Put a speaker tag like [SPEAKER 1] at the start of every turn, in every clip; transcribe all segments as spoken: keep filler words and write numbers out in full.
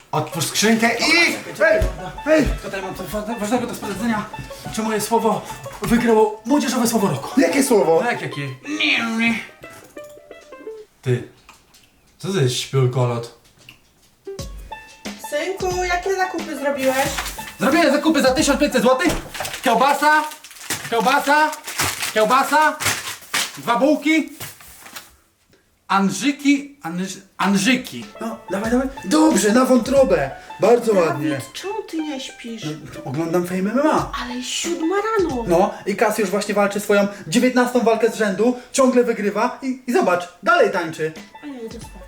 [SPEAKER 1] Otwórz skrzynkę i... Ej! Ej!
[SPEAKER 2] Tutaj mam coś ważnego do sprawdzenia. Czy moje słowo wygrało młodzieżowe słowo roku?
[SPEAKER 1] Jakie słowo?
[SPEAKER 2] No jak jakie? Nie, nie. Ty, co to jest śpiulkolot?
[SPEAKER 3] Synku, jakie zakupy zrobiłeś?
[SPEAKER 2] Zrobiłem zakupy za tysiąc pięćset złotych. Kiełbasa, kiełbasa, kiełbasa, dwa bułki, Andrzyki, Andrz, Andrzyki. No, dawaj, dawaj. Dobrze, na wątrobę. Bardzo ładnie.
[SPEAKER 3] Dawid, czemu ty nie śpisz?
[SPEAKER 2] Oglądam Fame M M A.
[SPEAKER 3] Ale siódma rano.
[SPEAKER 2] No i Kasiusz właśnie walczy swoją dziewiętnastą walkę z rzędu, ciągle wygrywa i, i zobacz, dalej tańczy.
[SPEAKER 3] A ja idę spać.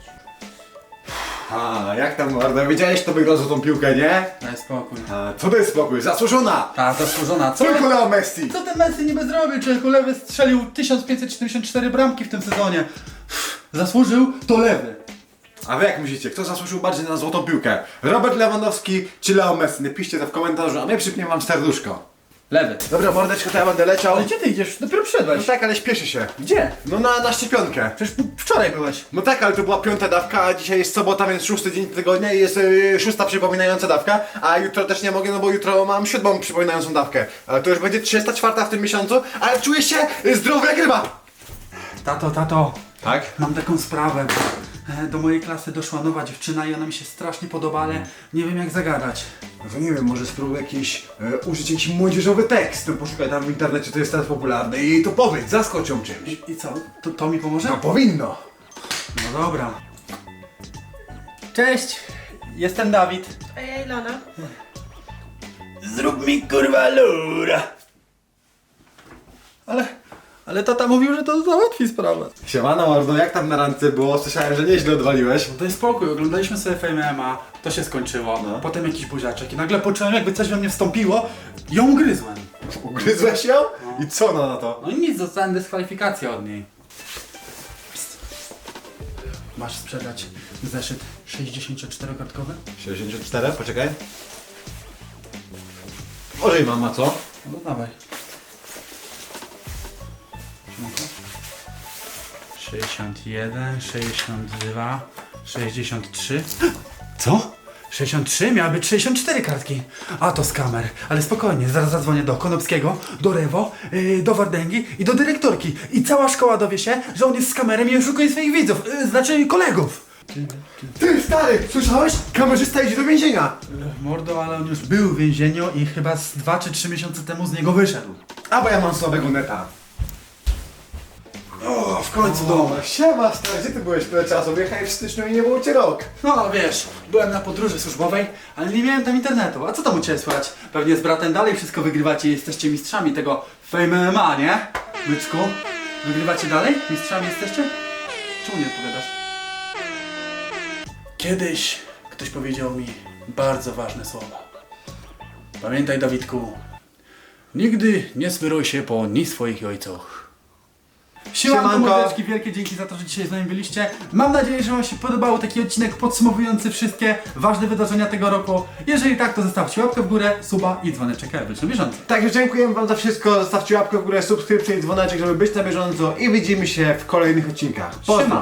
[SPEAKER 1] A, jak tam mordo? Wiedziałeś, kto wygrał złotą piłkę, nie?
[SPEAKER 2] Daj spokój.
[SPEAKER 1] A, co to jest spokój? Zasłużona!
[SPEAKER 2] Ta, zasłużona. Co?
[SPEAKER 1] Tylko Leo Messi!
[SPEAKER 2] Co ten Messi niby zrobił? Człowieku, lewy strzelił tysiąc pięćset siedemdziesiąt cztery bramki w tym sezonie. Zasłużył to lewy.
[SPEAKER 1] A wy jak myślicie, kto zasłużył bardziej na złotą piłkę? Robert Lewandowski czy Leo Messi? Napiszcie to w komentarzu, a my przypniemy wam serduszko.
[SPEAKER 2] Lewy.
[SPEAKER 1] Dobra, mordeczko, to ja będę leciał.
[SPEAKER 2] Ale gdzie ty idziesz? Dopiero
[SPEAKER 1] No
[SPEAKER 2] przyszedłeś.
[SPEAKER 1] tak, ale śpieszy się.
[SPEAKER 2] Gdzie?
[SPEAKER 1] No na, na szczepionkę.
[SPEAKER 2] Przecież wczoraj byłeś.
[SPEAKER 1] No tak, ale to była piąta dawka, a dzisiaj jest sobota, więc szósty dzień tygodnia i jest yy, szósta przypominająca dawka, a jutro też nie mogę, no bo jutro mam siódmą przypominającą dawkę. Ale to już będzie trzysta czwarta w tym miesiącu, ale czuję się yy, zdrowy jak ryba.
[SPEAKER 2] Tato, tato.
[SPEAKER 1] Tak?
[SPEAKER 2] Mam taką sprawę. E, Do mojej klasy doszła nowa dziewczyna i ona mi się strasznie podoba, ale nie wiem jak zagadać.
[SPEAKER 1] No to nie wiem, może spróbuj jakiś, e, użyć jakiś młodzieżowy tekst, no poszukaj tam w internecie, to jest teraz popularne i jej to powiedz, zaskocz ją czymś.
[SPEAKER 2] I, i co? To, to mi pomoże?
[SPEAKER 1] No powinno.
[SPEAKER 2] No dobra. Cześć, jestem Dawid.
[SPEAKER 3] A ja Ilona.
[SPEAKER 2] Zrób mi kurwa lura. Ale, ale tata mówił, że to załatwi sprawę.
[SPEAKER 1] Siemano mordo, jak tam na randce było? Słyszałem, że nieźle odwaliłeś.
[SPEAKER 2] No daj spokój, oglądaliśmy sobie Fame M M A, to się skończyło.
[SPEAKER 1] No.
[SPEAKER 2] Potem jakiś buziaczek i nagle poczułem jakby coś we mnie wstąpiło i ją ugryzłem.
[SPEAKER 1] Ugryzłeś ją? I co ona na to?
[SPEAKER 2] No i nic, dostałem dyskwalifikację od niej. Psst. Masz sprzedać zeszyt sześćdziesięcioczterokartkowy?
[SPEAKER 1] sześćdziesiąt cztery, poczekaj. Może i mama, co?
[SPEAKER 2] No dawaj. sześćdziesiąt jeden, sześćdziesiąt dwa, sześćdziesiąt trzy. Co? sześćdziesiąt trzy? Miały być sześćdziesiąt cztery kartki. A to skamer. Ale spokojnie, zaraz zadzwonię do Konopskiego, do Rewo, yy, do Wardęgi i do dyrektorki. I cała szkoła dowie się, że on jest skamerem i oszukuje swoich widzów, yy, znaczy kolegów.
[SPEAKER 1] Ty stary, słyszałeś? Kamerzysta idzie do więzienia.
[SPEAKER 2] Mordo, ale on już był w więzieniu i chyba z dwa czy trzy miesiące temu z niego wyszedł.
[SPEAKER 1] A bo ja mam słabego neta.
[SPEAKER 2] O, w końcu dom.
[SPEAKER 1] O, siema stary, gdzie ty byłeś tyle czasu? Wyjechałeś w styczniu i nie było cię rok.
[SPEAKER 2] No wiesz, byłem na podróży służbowej, ale nie miałem tam internetu. A co tam u Ciebie słychać? Pewnie z bratem dalej wszystko wygrywacie i jesteście mistrzami tego Fame M M A, nie? Byczku? Wygrywacie dalej? Mistrzami jesteście? Czemu nie odpowiadasz? Kiedyś ktoś powiedział mi bardzo ważne słowa. Pamiętaj, Dawidku, nigdy nie smyruj się po ni swoich ojcach. Siemanko,
[SPEAKER 1] Siemanko.
[SPEAKER 2] mordeczki, wielkie dzięki za to, że dzisiaj z nami byliście. Mam nadzieję, że Wam się podobał taki odcinek podsumowujący wszystkie ważne wydarzenia tego roku. Jeżeli tak, to zostawcie łapkę w górę, suba i dzwoneczek, aby być na bieżąco.
[SPEAKER 1] Także dziękujemy wam za wszystko, zostawcie łapkę w górę, subskrypcję i dzwoneczek, żeby być na bieżąco i widzimy się w kolejnych odcinkach. Pozdro!
[SPEAKER 2] Siema.